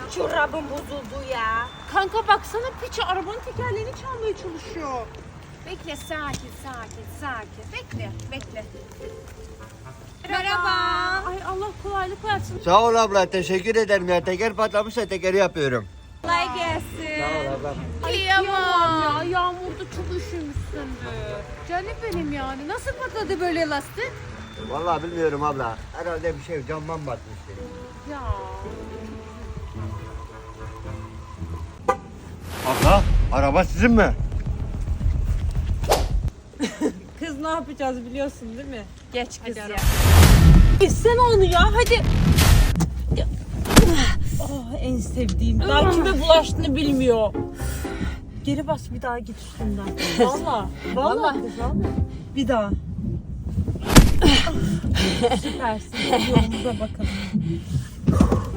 çorabım bozuldu ya. Kanka baksana piçi arabanın tekerleğini çalmaya çalışıyor. Bekle sakin. Bekle. Merhaba. Ay Allah kolaylık versin. Sağ ol abla, teşekkür ederim ya. Teker patlamışsa tekeri yapıyorum. Kolay gelsin. Sağ ol abla. Kıyamam ya. Yağmurda çok üşümüşsündür. Canım benim yani. Nasıl patladı böyle lastik? Vallahi bilmiyorum abla. Herhalde bir şey camdan batmıştı. Ya. Abla, araba sizin mi? Kız ne yapacağız biliyorsun değil mi? Geç kız ya. İsteme onu ya hadi. Oh, en sevdiğim. Daha kime bulaştığını bilmiyor. Geri bas bir daha git üstünden. Vallahi. Bir daha. Süpersin. Yolumuza bakalım.